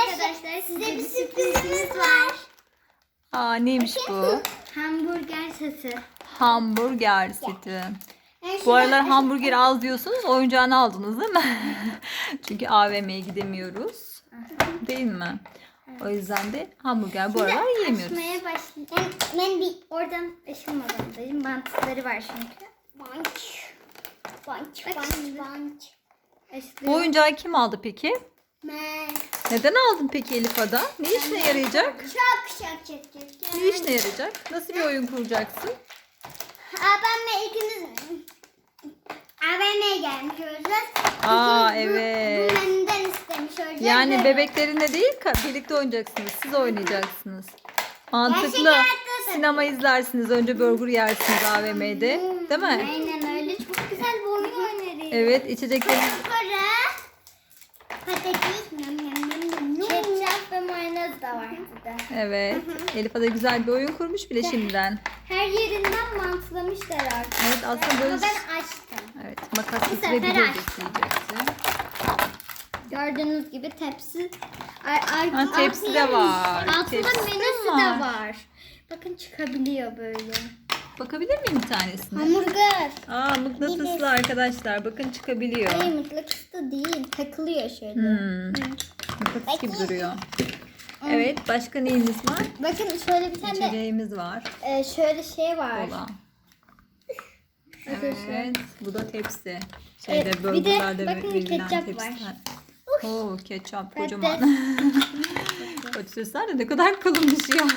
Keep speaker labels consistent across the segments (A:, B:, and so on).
A: arkadaşlar size bir sürprizimiz var.
B: Aa, neymiş bu?
A: Hamburger sesi.
B: Hamburger seti. Bu aralar hamburger az diyorsunuz. Oyuncağını aldınız değil mi? Çünkü AVM'ye gidemiyoruz. Değil mi? O yüzden de hamburger bu aralar yiyemiyoruz.
A: Açmaya başlayayım. Ben bir oradan aşılmadan bantları var çünkü. Banç.
B: Bu oyuncağı kim aldı peki?
A: Ben.
B: Neden aldın peki Elif Ada? Ne işine yarayacak?
A: Çok.
B: Ne işine yarayacak? Nasıl bir oyun kuracaksın?
A: Ben ikimiz AVM'ye gelmiş olacağız.
B: Aa,
A: İkimiz
B: evet.
A: Bu menüden istemiş olacağız.
B: Yani bebeklerine değil birlikte oynayacaksınız. Siz oynayacaksınız. Mantıklı.
A: Gerçek hayatta
B: Sinema izlersiniz. Önce burger yersiniz AVM'de. Değil mi?
A: Aynen öyle. Çok güzel bir oyun oynarız.
B: Evet, içecekleriniz.
A: Sonra patates, ketçap ve mayonez de var burada.
B: Evet. Elif Ada güzel bir oyun kurmuş bile şimdiden.
A: Her yerinden mantılamışlar artık.
B: Evet, aslında böyle.
A: Ama ben açtım.
B: Evet, makas
A: Bu sefer
B: getirebiliriz
A: açtım.
B: diyeceksin.
A: Gördüğünüz gibi tepsi.
B: Ha, tepsi de var.
A: Altında
B: Tepsi de
A: menüsü
B: var.
A: de var. Bakın çıkabiliyor böyle.
B: Bakabilir miyim bir tanesine?
A: Hamburger.
B: Aa, mıknatıslı arkadaşlar. Bakın çıkabiliyor.
A: Hayır mıknatıs değil. Takılıyor şöyle.
B: Mıknatıs gibi duruyor. Evet, başka neyimiz var?
A: Bakın şöyle bir tane
B: İçeceğimiz var.
A: şöyle şey var.
B: Kola.
A: Arkadaşlar.
B: Evet, bu da tepsi.
A: Evet, bir de
B: burgerlerde
A: bakın
B: verilen
A: ketçap
B: tepsiler.
A: var.
B: Oo, ketçap
A: Patates.
B: kocaman. Patatesler de ne kadar kalınmış ya.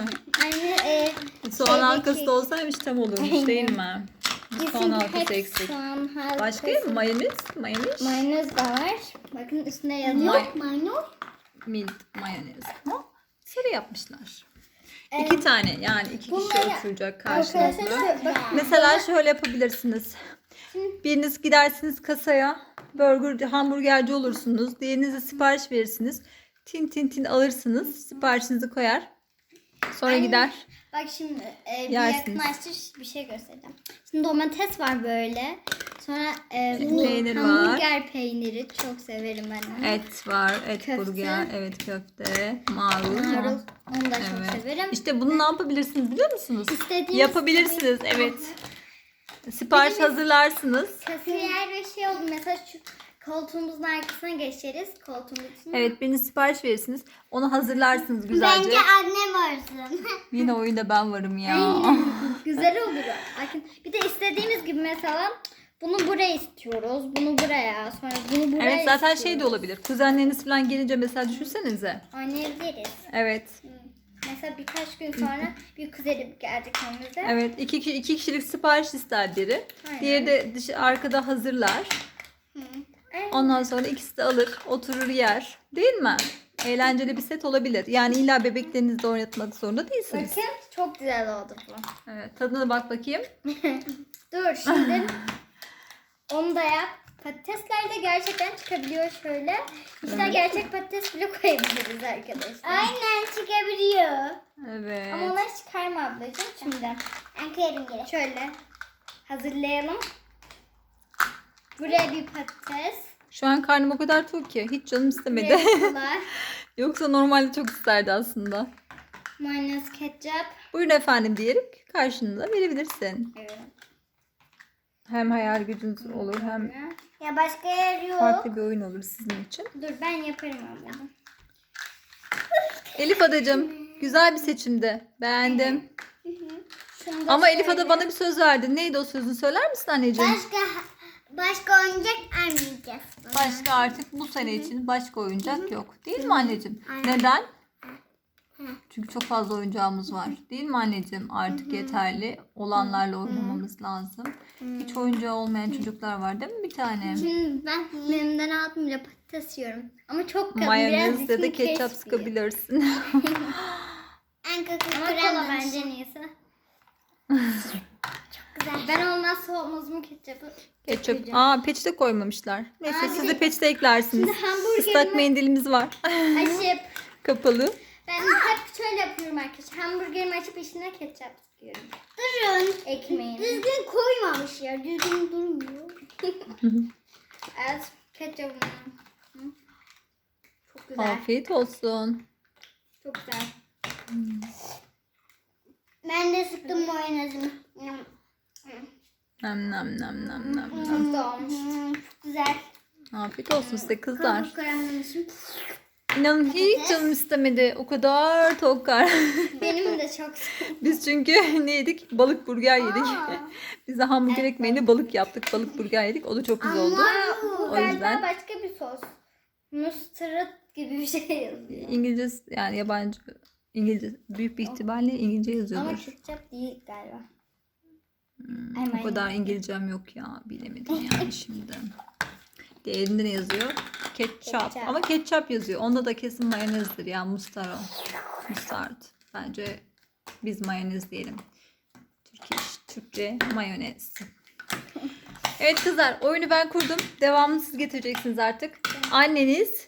A: Aynı
B: Soğan halkası da olsaymış tam olurmuş
A: Aynen.
B: değil mi? Soğan halkası eksik.
A: Soğan halkası.
B: Başka mı? Mayonez? Mayonez?
A: Mayonez de var. Bakın üstüne yazıyor. Mayonez.
B: Mint mayonez. Ha? Sarı yapmışlar. İki tane yani iki kişi
A: bunları-
B: oturacak
A: Arkadaşlar
B: karşınızda.
A: bakın.
B: Mesela şöyle yapabilirsiniz. Biriniz gidersiniz kasaya hamburgerci olursunuz. Diğerinize sipariş verirsiniz. Tin tin tin alırsınız. Siparişinizi koyar. Sonra
A: Aynen.
B: gider.
A: Bak şimdi bir
B: Yersiniz.
A: yakınlaştır bir şey göstereceğim. Şimdi domates var böyle. Sonra
B: Peynir var.
A: hamburger peyniri çok severim ben onu.
B: Et var. Et
A: Köfte.
B: burger. Evet, köfte. Marul.
A: Marul onu da çok
B: Evet.
A: severim.
B: İşte bunu ne yapabilirsiniz biliyor musunuz?
A: İstediğiniz
B: Yapabilirsiniz.
A: gibi.
B: Evet. Sipariş hazırlarsınız.
A: Kasiyer ve şey oldu mesela şu koltuğumuzun arkasına geçeriz. Koltuğumuzun.
B: Evet, biriniz sipariş verirsiniz. Onu hazırlarsınız güzelce.
A: annem varsın.
B: Yine oyunda ben varım ya.
A: Güzel olur. Bakın bir de istediğimiz gibi mesela bunu buraya istiyoruz. Bunu buraya. Sonra bunu buraya
B: Evet, zaten
A: istiyoruz.
B: şey de olabilir. Kuzenleriniz falan gelince mesela düşünsenize.
A: Oynayabiliriz.
B: Evet.
A: Mesela birkaç gün sonra bir kuzenim geldi önümüze.
B: Evet, iki kişilik sipariş ister biri.
A: Aynen.
B: Diğeri de arkada hazırlar.
A: Evet.
B: Ondan sonra ikisi de alır, oturur yer. Değil mi? Eğlenceli bir set olabilir. Yani illa bebeklerinizle oynatmak zorunda değilsiniz.
A: Bakın çok güzel oldu bu.
B: Evet, tadına bak bakayım.
A: Dur şimdi onu da yap. Patatesler de gerçekten çıkabiliyor şöyle. İşte gerçek patates bile koyabiliriz arkadaşlar. Aynen çıkabiliyor.
B: Evet.
A: Ama onları çıkarma ablacığım şimdi. Ben koyarım geri. Şöyle hazırlayalım. Buraya bir patates.
B: Şu an karnım o kadar tok ki hiç canım istemedi.
A: Buraya kola,
B: Yoksa normalde çok isterdi aslında.
A: mayonez, ketçap.
B: Buyurun efendim diyerek karşınıza verebilirsin.
A: Evet.
B: Hem hayal gücünüz olur hem
A: Ya başka yer yok.
B: farklı bir oyun olur sizin için.
A: Dur ben yaparım ablacığım.
B: Elif Adacığım güzel bir seçimdi. Beğendim.
A: Şunu da
B: Ama Elif
A: şöyle.
B: Ada bana bir söz verdin. Neydi o sözünü söyler misin anneciğim?
A: Başka oyuncak almayacağız.
B: Başka artık bu sene için başka oyuncak yok. Değil mi anneciğim? Neden? Çünkü çok fazla oyuncağımız var. Değil mi anneciğim? Artık yeterli. Olanlarla oynamamız lazım. Hiç oyuncağı olmayan çocuklar var değil mi bir tane?
A: Şimdi ben menümden aldım bile patates yiyorum. Ama çok kalın.
B: Mayonez
A: biraz
B: ya da
A: içini
B: ketçap
A: kesmiyor.
B: sıkabilirsin.
A: Ama kola bence niyeyse. Çok güzel. Ben olmazsa olmaz mı ketçapı?
B: Ketçap.
A: Koyacağım.
B: Aa, peçete koymamışlar. Neyse
A: Aa,
B: siz de peçete eklersiniz.
A: Şimdi hamburgerimi-
B: Islak mendilimiz var.
A: Açıp
B: Kapalı.
A: ben hep şöyle yapıyorum arkadaşlar. Hamburgerimi açıp içine ketçap sıkıyorum. Durun. Ekmeğini. Düzgün koymamış ya. Düzgün durmuyor. Evet. Ketçapını. Çok Çok güzel.
B: Afiyet olsun.
A: Çok güzel. Ben de sıktım mayonezimi.
B: Nam nam nam nam nam.
A: Çok güzel olmuş. Çok güzel.
B: Afiyet olsun size kızlar.
A: Kabuk karamelamışım.
B: İnanın hiç canım istemedi. O kadar tok kar.
A: Benim de çok
B: Biz çünkü ne yedik? Balık burger yedik. Biz de hamburger ekmeğini balık yaptık. Balık burger yedik. O da çok güzel oldu.
A: Bu
B: O
A: galiba
B: yüzden
A: başka bir sos. Mustard gibi bir şey yazıyor.
B: İngilizce yani yabancı İngilizce büyük bir ihtimalle İngilizce
A: Ama
B: yazıyordur.
A: ketçap değil galiba.
B: O kadar İngilizcem yok ya. Bilemedim yani şimdi. Diğerinde ne yazıyor? Ketçap.
A: Ketçap.
B: Ama ketçap yazıyor. Onda da kesin mayonezdir ya. Mustard. Mustard. Bence biz mayonez diyelim. Türkçe mayonez. Evet kızlar, oyunu ben kurdum. Devamını siz getireceksiniz artık. Anneniz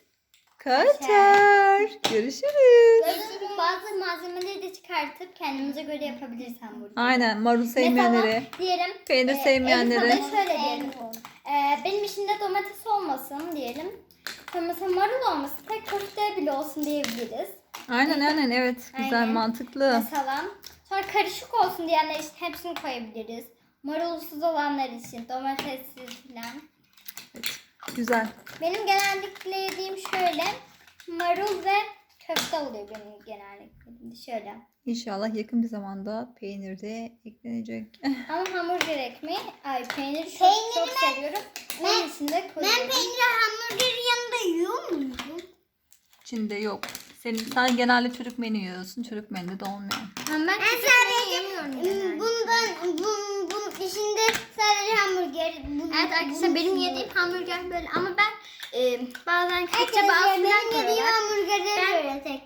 B: kaçar. Görüşürüz.
A: Bazı malzemeleri de çıkartıp kendimize göre yapabiliriz hamburgeri.
B: Aynen, marul sevmeyenlere,
A: Mesela diyelim
B: peynir sevmeyenlere.
A: Elif'e de şöyle diyelim. Benim içinde domates olmasın diyelim. Sonra mesela marul olmasın. Tek köfte bile olsun diyebiliriz.
B: Aynen evet. Güzel,
A: Aynen.
B: mantıklı.
A: Mesela sonra karışık olsun diyenler için hepsini koyabiliriz. Marulsuz olanlar için domatessiz falan.
B: Evet, güzel.
A: Benim genellikle yediğim şöyle marul ve köfte oluyor benim genellikle. Şöyle.
B: İnşallah yakın bir zamanda peynir de eklenecek.
A: Ama hamburger ekmeği, peyniri çok seviyorum. Onun için de koyuyorum. Ben peyniri hamburgerin yanında yiyor muyum?
B: İçinde yok. Sen genelde çocuk menü yiyorsun. Çocuk menüde de olmuyor.
A: Ben sadece yemiyorum genelde. Bunun içinde sadece hamburger. Evet arkadaşlar benim yediğim hamburger böyle ama ben bazen ketçap falan koyuyorlar. Hamburgerleri böyle tek.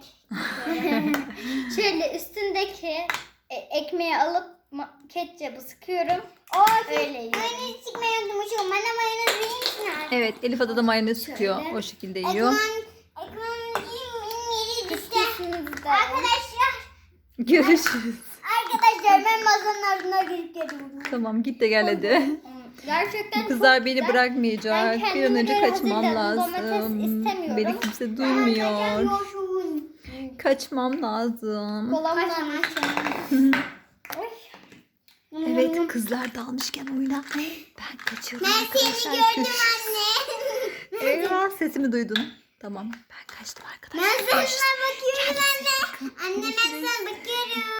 A: Şöyle üstündeki ekmeği alıp ketçapı sıkıyorum. Öyle yiyorum. Mayonez sıkmayı unutmuşum. Bana mayonez verir misin?
B: Evet, Elif Ada da mayonez sıkıyor.
A: Şöyle.
B: O şekilde yiyor.
A: Arkadaşlar
B: Görüşürüz.
A: ben masanın ardına girip geliyorum.
B: Tamam, git de gel hadi.
A: Gerçekten
B: Bu kızlar
A: çok
B: beni
A: güzel.
B: bırakmayacak.
A: Ben
B: Bir an
A: kendime
B: önce
A: göre
B: kaçmam
A: hazırladım. Domates
B: lazım.
A: istemiyorum.
B: Beni kimse duymuyor. Kaçmam lazım.
A: Kolamla
B: Evet, kızlar dalmışken oyuna. Ben kaçıyorum
A: Ben seni
B: arkadaşlar.
A: gördüm anne.
B: Eyvah, sesimi duydun. Tamam, ben kaçtım arkadaşlar.
A: Ben sana bakıyorum anne. Anne ben sana bakıyorum.